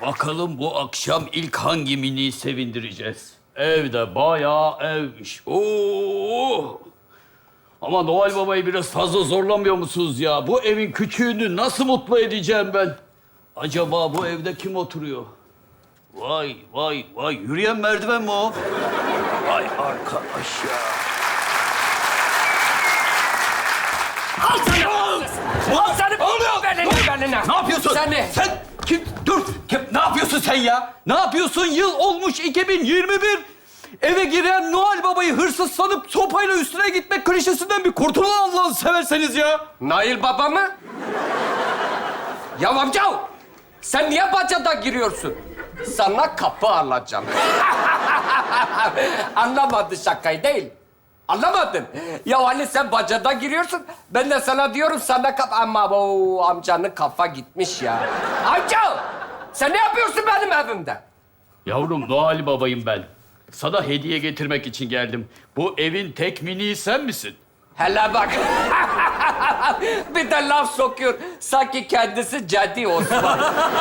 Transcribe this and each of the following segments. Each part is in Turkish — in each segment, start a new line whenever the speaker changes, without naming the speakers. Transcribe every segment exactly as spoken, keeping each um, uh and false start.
Bakalım bu akşam ilk hangi miniyi sevindireceğiz? Evde bayağı evmiş. Oo! Ama Noel Baba'yı biraz fazla zorlamıyor musunuz ya? Bu evin küçüğünü nasıl mutlu edeceğim ben? Acaba bu evde kim oturuyor? Vay vay vay, yürüyen merdiven mi o? Vay arkadaş ya.
Al sana! Al sana!
Ne oluyor?
Beline, beline.
Ne yapıyorsun?
Sen ne?
Sen kim? Dur. Kim? Ne yapıyorsun sen ya? Ne yapıyorsun? Yıl olmuş iki bin yirmi bir. Eve giren Noel Baba'yı hırsız sanıp sopayla üstüne gitmek klişesinden bir kurtulun Allah'ını severseniz ya.
Nail Baba mı? Ya amca! Sen niye bacada giriyorsun? Sana kapı alacağım. Anlamadın şakayı değil. Anlamadın. Ya hani sen bacada giriyorsun, ben de sana diyorum sana kap... Ama bu amcanın kafa gitmiş ya. Amca! Sen ne yapıyorsun benim evimde?
Yavrum Noel Baba'yım ben. Sana hediye getirmek için geldim. Bu evin tek miniği sen misin?
Hele bak. Bir de laf sokuyor. Sanki kendisi Cedi Osman.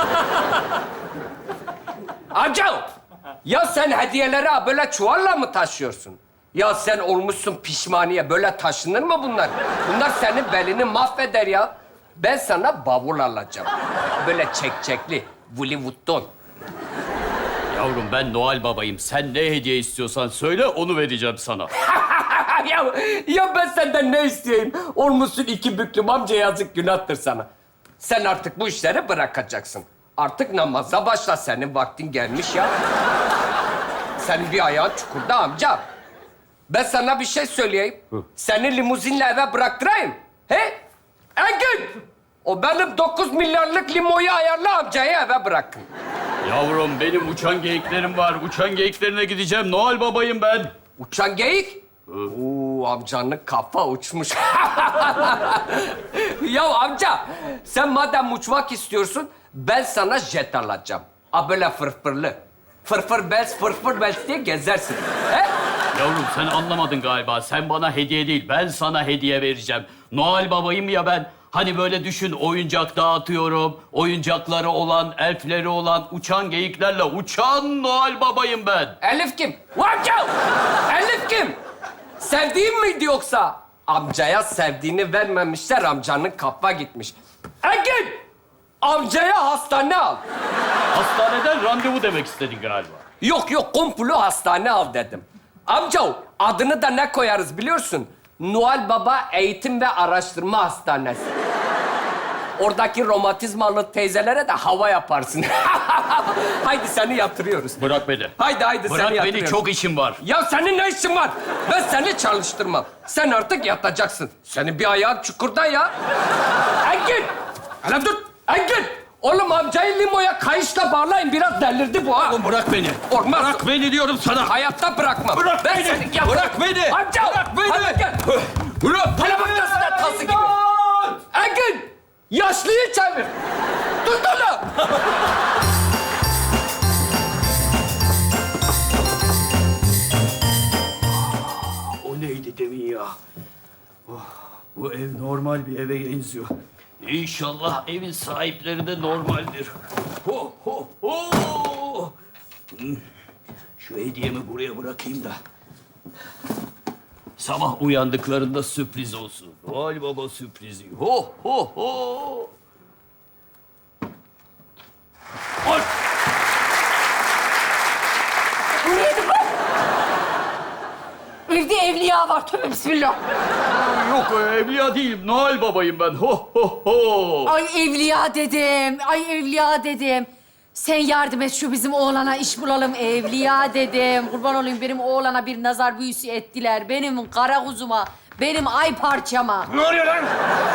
Amca! Ya sen hediyeleri ha böyle çuvalla mı taşıyorsun? Ya sen olmuşsun pişmaniye. Böyle taşınır mı bunlar? Bunlar senin belini mahveder ya. Ben sana bavul alacağım. Böyle çekçekli. Hollywood'dan.
Yavrum ben Noel Baba'yım. Sen ne hediye istiyorsan söyle onu vereceğim sana.
ya, ya ben senden ne isteyeyim? Olmuşsun iki büklüm amca, yazık günahtır sana. Sen artık bu işleri bırakacaksın. Artık namaza başla. Senin vaktin gelmiş ya. Senin bir ayağın çukurda amca. Ben sana bir şey söyleyeyim. Seni limuzinle eve bıraktırayım. He? Engin! O benim dokuz milyarlık limoyu ayarla amcayı eve bırakın.
Yavrum benim uçan geyiklerim var. Uçan geyiklerine gideceğim. Noel Baba'yım ben.
Uçan geyik? Oo, amcanın kafa uçmuş. Ya amca, sen madem uçmak istiyorsun, ben sana jet alacağım. A böyle fırfırlı. Fırfır bez, fırfır bez diye gezersin. He?
Yavrum sen anlamadın galiba. Sen bana hediye değil, ben sana hediye vereceğim. Noel Baba'yım ya ben. Hani böyle düşün, oyuncak dağıtıyorum. Oyuncakları olan, elfleri olan, uçan geyiklerle uçan Noel Baba'yım ben.
Elif kim? Amca! Elif kim? Sevdiğin miydi yoksa? Amcaya sevdiğini vermemişler, amcanın kafa gitmiş. Engin! Amcaya hastane al.
Hastaneden randevu demek istedin galiba.
Yok yok, komplo hastane al dedim. Amca, adını da ne koyarız biliyorsun? Noel Baba Eğitim ve Araştırma Hastanesi. Oradaki romatizmalı teyzelere de hava yaparsın. Haydi seni yatırıyoruz.
Bırak beni.
Haydi haydi
Bırak
seni
beni,
yatırıyoruz.
çok işim var.
Ya senin ne işin var? Ben seni çalıştırmam. Sen artık yatacaksın. Senin bir ayağın çukurda ya. Engin! Hele dur! Engin! Oğlum amcayı limoya kayışla bağlayın. Biraz delirdi bu ha.
Oğlum bırak beni.
Olmaz.
Bırak beni diyorum sana.
Hayatta bırakmam.
Bırak
ben
beni.
Seni yap-
Bırak beni.
Amca!
Bırak beni.
Hadi gel.
Bırak
Hele bak nasıl da tası gibi. Engin! Yaşlıyı çevir. Tut onu.
O neydi demin ya? Oh, bu ev normal bir eve benziyor. İnşallah evin sahipleri de normaldir. Ho ho ho! Hmm, şu hediyemi buraya bırakayım da. Sabah uyandıklarında sürpriz olsun. Noel Baba sürprizi. Ho ho ho! Ay!
Evde evliya var. Tövbe bismillah.
Yok evliya değilim. Noel Baba'yım ben. Ho ho ho!
Ay evliya dedim. Ay evliya dedim. Sen yardım et şu bizim oğlana iş bulalım. Evliya dedim. Kurban olayım benim oğlana bir nazar büyüsü ettiler. Benim kara kuzuma, benim ay parçama.
Ne oluyor lan?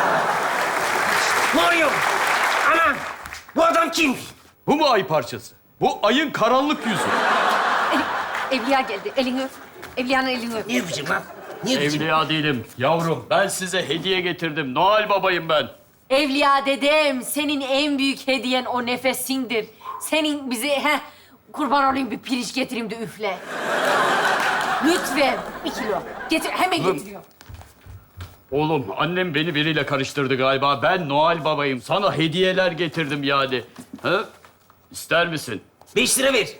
Ne oluyor? Ana! Bu adam kim?
Bu mu ay parçası? Bu ayın karanlık yüzü.
Ev- evliya geldi. Elini öp. Evliyanın elini öp.
Ne yapacağım lan? Ne yapacağım?
Evliya değilim. Yavrum ben size hediye getirdim. Noel Baba'yım ben.
Evliya dedem, senin en büyük hediyen o nefesindir. Senin bize, heh, kurban olayım bir pirinç getireyim de üfle. Lütfen, bir kilo. Getir, hemen getiriyorum.
Oğlum annem beni biriyle karıştırdı galiba. Ben Noel Baba'yım. Sana hediyeler getirdim yani. Ha? İster misin?
Beş lira ver.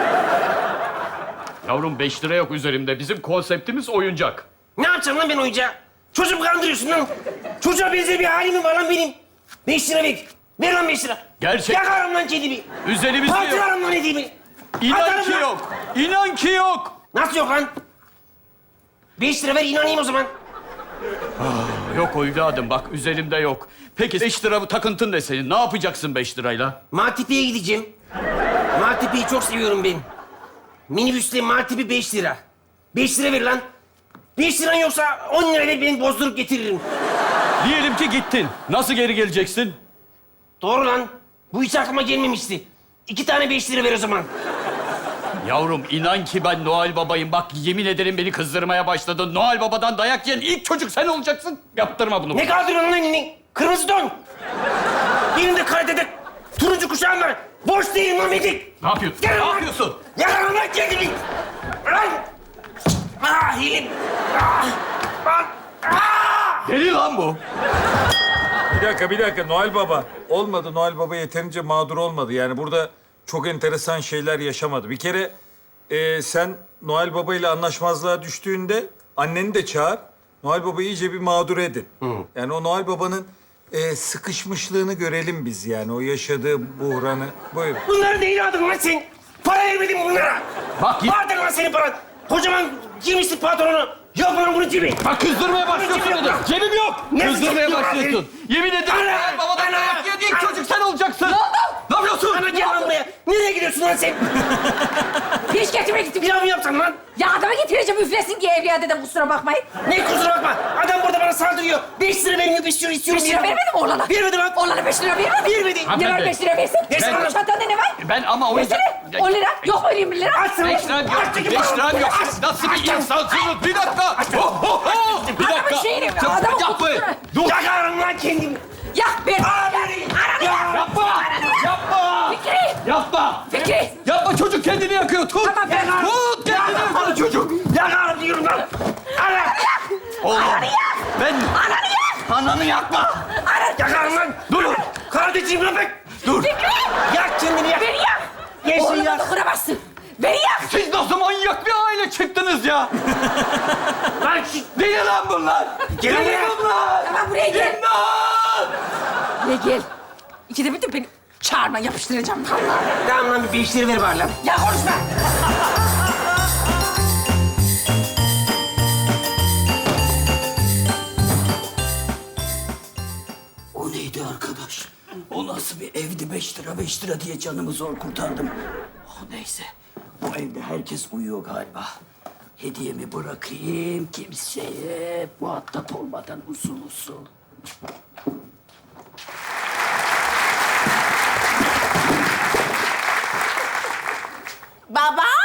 Yavrum beş lira yok üzerimde. Bizim konseptimiz oyuncak.
Ne yapacağım lan ben oyuncağı? Çocuk kandırıyorsun lan. Çocuğa benzer bir halim mi var lan benim? Beş lira ver. Ver lan beş lira.
Gerçek-
Yakarım lan kedimi.
Üzerimizde yok.
Parçalarım lan hediyemi.
İnan
Atarım
ki
lan.
yok. İnan ki yok.
Nasıl yok lan? Beş lira ver inanayım o zaman.
Yok evladım bak üzerimde yok. Peki beş lira bu takıntın ne senin? Ne yapacaksın beş lirayla?
Maltepe'ye gideceğim. Maltepe'yi çok seviyorum ben. Minibüsle Maltepe beş lira. Beş lira ver lan. Beş liran yoksa on lira ver ben bozdurup getiririm.
Diyelim ki gittin. Nasıl geri geleceksin?
Doğru lan. Bu hiç aklıma gelmemişti. İki tane beş lira ver o zaman.
Yavrum inan ki ben Noel Baba'yım. Bak yemin ederim beni kızdırmaya başladın. Noel Baba'dan dayak yiyen ilk çocuk sen olacaksın. Yaptırma bunu.
Ne kaldırıyorsun lan elini? Kırmızı don. Benim de karatede turuncu kuşağım var. Boş değilim lan Medik.
Ne yapıyorsun?
Gel
Ne
lan.
yapıyorsun?
Yakarım lan kendimi. Lan. Ah hilim. Ah. Lan. Ah.
Deli lan bu.
Bir dakika, bir dakika. Noel Baba. Olmadı. Noel Baba yeterince mağdur olmadı. Yani burada çok enteresan şeyler yaşamadı. Bir kere e, sen Noel Baba ile anlaşmazlığa düştüğünde anneni de çağır. Noel Baba'yı iyice bir mağdur edin. Yani o Noel Baba'nın e, sıkışmışlığını görelim biz yani. O yaşadığı buhranı. Buyurun.
Bunları neyle aldın lan sen? Para vermedim bunlara.
Bak git.
Vardır lan senin paran. Kocaman giymişsin pantolonu. Yok lan bunun cebi.
Bak kızdırmaya başlıyorsun
Cebim
dedi.
yok.
Cebim yok.
Ne
Kızdırmaya
cebim yok?
başlıyorsun. Yemin ederim
Ana!
Noel Baba'dan
Ana!
dayak yiyen ilk
Ana!
çocuk sen olacaksın. Ne oldu? Ne yapıyorsun?
Ana gel lan buraya. Nereye gidiyorsun lan sen?
Pirinç getirmeye gittim.
Pilav mı yapsan lan?
Ya adama getireceğim üflesin diye evliya dedim kusura bakmayın.
Ne kusura bakma. Adam burada bana saldırıyor. Beş lira vermiyor, beş lira istiyorum.
Beş lira vermedi mi oğlana?
Vermedi lan.
Oğlana beş lira vermedi mi?
Vermedi.
Ne var
Hanımefendi.
beş lira versin?
Ne
Senin
sana?
çantanda ne var?
Ben ama o yüzden...
Versene. On lira. Yok mu öyle bir lira?
Aç sana.
Beş liram yok.
Aç,
Beş liram yok.
aç,
Nasıl
aç,
bir
aç.
insansınız? Bir dakika. Oh, oh, oh. Bir
Adamın
dakika.
şeyini-
Sen-
adamın
Yapma.
kutusunu-
Dur.
Yakarım lan kendimi.
Ya ver.
Aa, beni. Ya.
Yapma. Yapma.
Fikri.
Yapma.
Fikri.
Yapma çocuk kendini yakıyor. Tut.
Tamam, ben-
Tut kendini yakıyor çocuk.
Yakarım diyorum lan. Ana.
Oğlum. Ben...
Ananı yak.
Ananı yakma.
Yakarım lan.
Dur.
Kardeşim lan bak.
Dur.
Fikri.
Yak kendini yak.
Beni yak.
Gelsin
Oğluma
yak.
dokunamazsın. Beni yak.
Siz nasıl manyak bir aile çıktınız ya?
Lan şu...
Deli lan bunlar.
Gel
Deli
buraya.
bunlar.
Tamam buraya gel.
İmdat.
Ne gel. İkide bir de beni çağırma yapıştıracağım vallahi.
Tamam lan bir beş lira ver bari lan.
Ya konuşma.
O neydi arkadaş? O nasıl bir evdi? Beş lira, beş lira diye canımı zor kurtardım. Oh, neyse. Bu evde herkes uyuyor galiba. Hediyemi bırakayım kimseye muhatap olmadan usul usul.
Baba?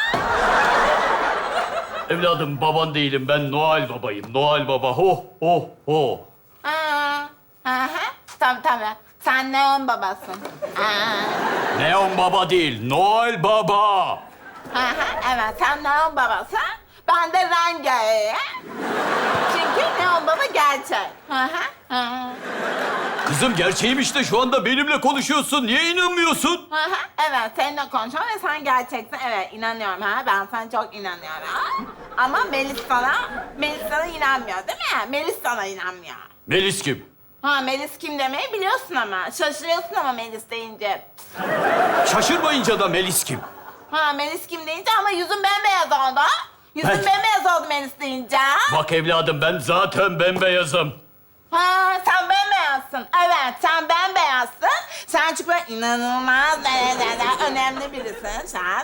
Evladım baban değilim. Ben Noel babayım. Noel baba. Ho ho ho.
Aa, aha. Tabii tabii. Sen neon babasın. Aa.
Neon baba değil. Noel baba.
Aha, evet sen neon babasın. Ben de Renga'yım. Çünkü neon baba gerçek. Aha, aha.
Kızım gerçeğim işte. Şu anda benimle konuşuyorsun. Niye inanmıyorsun?
Aha, evet seninle konuşuyorum ve sen gerçeksin. Evet inanıyorum ha. Ben sana çok inanıyorum. Ama Melis sana, Melis sana inanmıyor değil mi? Melis sana inanmıyor.
Melis kim?
Ha Melis kim demeyi biliyorsun ama. Şaşırıyorsun ama Melis deyince.
Şaşırmayınca da Melis kim?
Ha Melis kim deyince ama yüzün bembeyaz oldu. Yüzün
Ben-
bembeyaz oldu Melis deyince.
Bak evladım ben zaten bembeyazım.
Ha sen bembeyazsın. Evet sen bembeyazsın. Sen çünkü böyle inanılmaz derecede önemli birisin sen.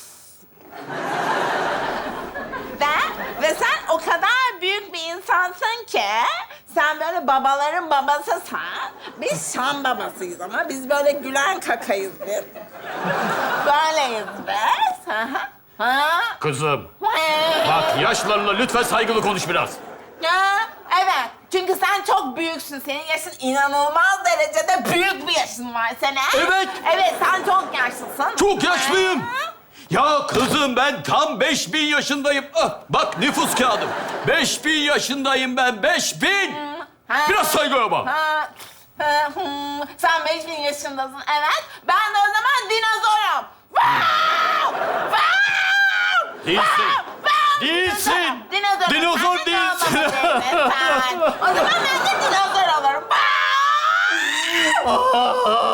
Ve, ve sen o kadar büyük bir insansın ki sen böyle babaların babasısın. Biz Şam babasıyız ama biz böyle gülen kakayız biz. Böyleyiz biz. Ha, ha.
Kızım
Hey.
bak yaşlarla lütfen saygılı konuş biraz.
Ya, evet. Çünkü sen çok büyüksün. Senin yaşın inanılmaz derecede büyük bir yaşın var senin.
Evet.
Evet, sen çok yaşlısın.
Çok yaşlıyım.
Ha?
Ya kızım ben tam beş bin yaşındayım. Ah, bak nüfus kağıdım. Beş bin yaşındayım ben, beş bin.
Ha.
Biraz saygı ama.
Ha. Hı, hı. Sen beş bin yaşındasın, evet. Ben de o zaman dinozorum. Wow! Wow!
Değilsin.
Wow!
Değilsin.
Dinozorum.
Dinozor
Sen
değilsin.
dinozor değilsin sen. O zaman ben de dinozor olurum. Wow!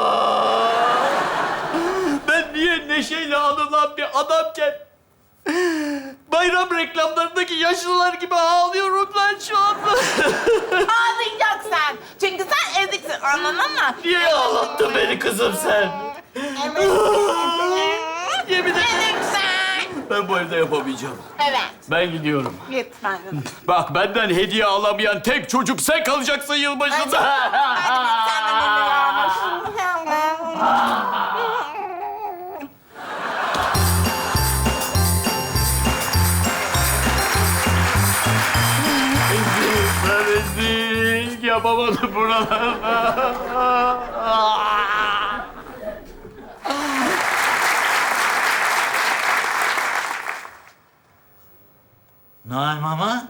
Ben niye neşeyle anılan bir adamken bayram reklamlarındaki yaşlılar gibi ağlıyorum ben şu anda.
Ağlayacaksın. Çünkü sen eziksin, anladın mı?
Niye ağlattın beni kızım sen? Yemin ederim.
Eziksin.
Ben bu evde yapamayacağım.
Evet.
Ben gidiyorum.
Git ben de.
Bak benden hediye alamayan tek çocuk sen kalacaksın yılbaşında.
Hadi git sen de
Ben rezil yapamadım buralarda.
Noel Mama?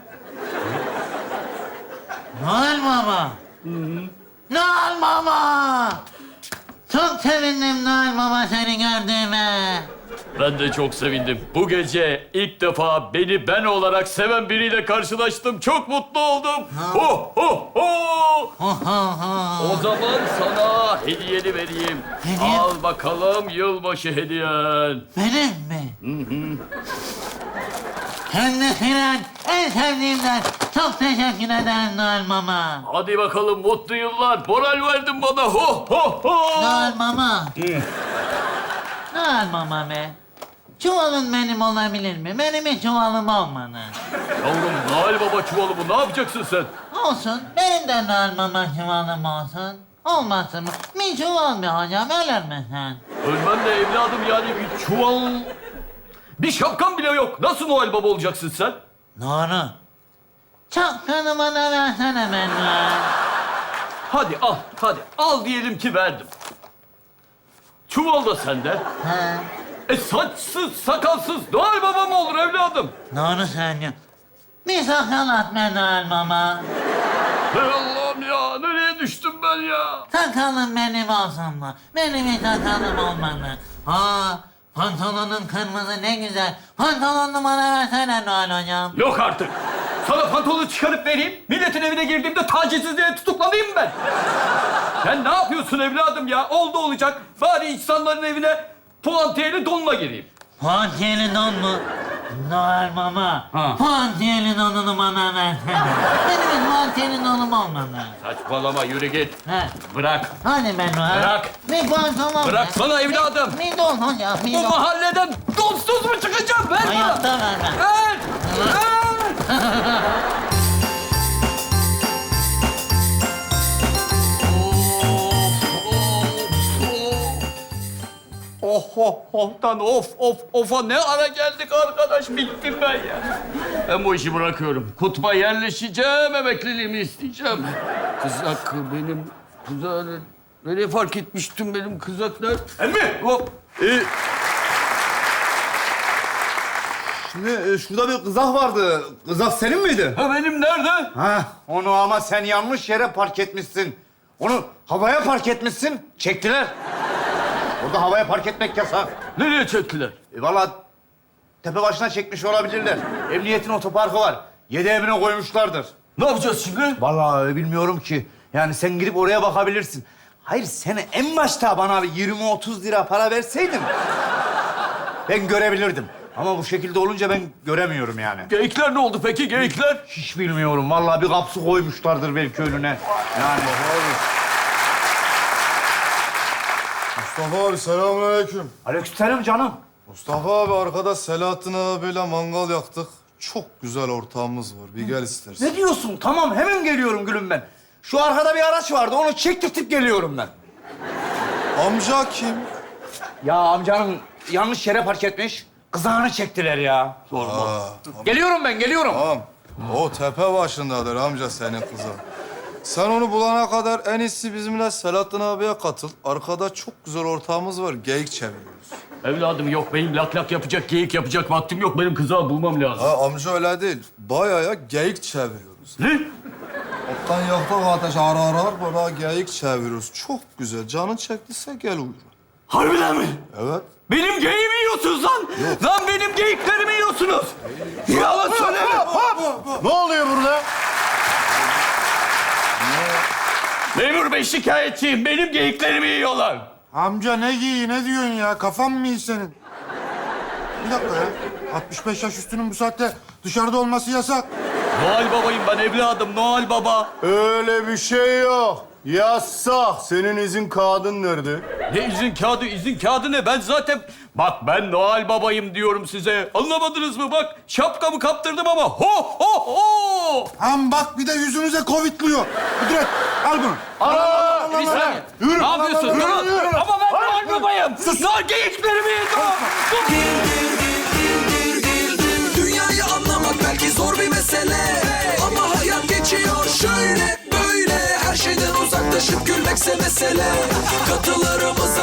Noel Mama? Noel Mama! Çok sevindim Noel Mama seni gördüğüme.
Ben de çok sevindim. Bu gece ilk defa beni ben olarak seven biriyle karşılaştım. Çok mutlu oldum. Ho ho ho!
Ho ho ho.
O zaman sana hediyeni vereyim.
Hediye?
Al bakalım yılbaşı hediyen.
Benim mi? Hem de senin en sevdiğimden. Çok teşekkür ederim Noel Mama.
Hadi bakalım mutlu yıllar. Moral verdin bana. Ho ho ho!
Noel Mama. Noel Mama be. Çuvalın benim olabilir mi? Benim hiç çuvalım olmadı.
Yavrum Noel Baba çuvalı bu. Ne yapacaksın sen?
Olsun. Benim de Noel Mama çuvalım olsun. Olmasın mı? Bir çuval mı hocam? Ölür mü sen?
Ölmem de evladım yani bir çuval... Bir şapkan bile yok. Nasıl Noel Baba olacaksın sen?
Doğru. Çapkanı bana versene ben Noel.
Hadi al, hadi. Al diyelim ki verdim. Çuval da sende.
Ha,
E saçsız, sakalsız Noel Baba mı olur evladım?
doğru söylüyorsun. Bir sakal at be Noel Mama.
Hey Allah'ım ya, nereye düştüm ben ya?
Sakalım benim olsun mu? Benim hiç sakalım olmadı. Aa, pantolonun kırmızı ne güzel. Pantolonunu bana versene Noel hocam.
Yok artık. Sana pantolonu çıkarıp vereyim. Milletin evine girdiğimde tacizsizliğe tutuklanayım mı ben? Sen ne yapıyorsun evladım ya? Oldu olacak. Bari insanların evine puantiyeli donla gireyim.
Puantiyeli don mu? Noel Mama.
Ha.
Puantiyeli donunu bana versene. Benim hiç puantiyeli donum olmadı.
Saçmalama, yürü git.
Ha.
Bırak.
Hadi be Noel.
Bırak.
Bir pantolon.
Bıraksana evladım.
Bir don hocam, bir
Bu
don.
mahalleden donsuz mu çıkacağım? Ver bana.
Hayatta vermem.
Ver! Ver! Oh oh oh'tan of of of'a ne ara geldik arkadaş, bittim ben ya. Ben bu işi bırakıyorum. Kutba yerleşeceğim, emekliliğimi isteyeceğim. Kızak benim, kızak nereye fark etmiştim benim kızaklar? Emmi! Hop! Ee,
Şimdi e, şurada bir kızak vardı. Kızak senin miydi?
ha benim nerede?
Ha, onu ama sen yanlış yere park etmişsin. Onu havaya park etmişsin, çektiler. Orada havaya park etmek yasak.
Nereye çektiler?
E, vallahi tepe başına çekmiş olabilirler. Emniyetin otoparkı var. Yedi evine koymuşlardır.
Ne yapacağız şimdi?
Vallahi bilmiyorum ki. Yani sen gidip oraya bakabilirsin. Hayır, sen en başta bana bir yirmi otuz lira para verseydin... ben görebilirdim. Ama bu şekilde olunca ben göremiyorum yani.
Geyikler ne oldu peki, geyikler?
Hiç bilmiyorum. Vallahi bir kapsı koymuşlardır belki önüne. Yani.
Mustafa abi selamünaleyküm.
Aleykümselam canım.
Mustafa abi arkada Selahattin abiyle mangal yaktık. Çok güzel ortağımız var. Bir gel istersen.
Ne diyorsun? Tamam, hemen geliyorum gülüm ben. Şu arkada bir araç vardı, onu çektirtip geliyorum ben.
Amca kim?
Ya amcanın yanlış yere park etmiş. Kızağını çektiler ya.
Aa,
Geliyorum ben, geliyorum.
tamam. O tepe başındadır amca senin kızın. Sen onu bulana kadar en iyisi bizimle Selahattin abiye katıl. Arkada çok güzel ortağımız var. Geyik çeviriyoruz.
Evladım yok, benim lak lak yapacak, geyik yapacak vaktim yok. Benim kızağı bulmam lazım.
Ha amca öyle değil. Bayağı geyik çeviriyoruz.
Ne?
Alttan yaktak ateş ara ara böyle geyik çeviriyoruz. Çok güzel. Canın çektiyse gel uyur.
Harbiden mi?
Evet.
Benim geyiğimi yiyorsunuz lan. Lan benim geyiklerimi yiyorsunuz. Yalan söyleme.
Ne oluyor burada?
Memur bey şikayetçiyim. Benim geyiklerimi yiyorlar.
Amca ne giyi, ne diyorsun ya? Kafan mı iyi senin? Bir dakika ya. altmış beş yaş üstünün bu saatte dışarıda olması yasak.
Noel babayım ben evladım. Noel baba.
Öyle bir şey yok. Yasak. Senin izin kağıdın nerede?
Ne izin kağıdı? İzin kağıdı ne? Ben zaten... Bak ben Noel babayım diyorum size. Anlamadınız mı? Bak şapkamı kaptırdım ama ho ho ho!
Ham bak bir de yüzümüze covidliyor. Kudret al bunu.
Aa, bir saniye.
Yürü.
Ne yapıyorsun?
Yürü,
Durun.
yürü.
Ama ben Noel babayım. Noel geyiklerimi yiyor.
Dünyayı anlamak belki zor bir mesele, ama hayat geçiyor şöyle böyle. Her şeyden uzaklaşıp gülmekse mesele. Katılarımıza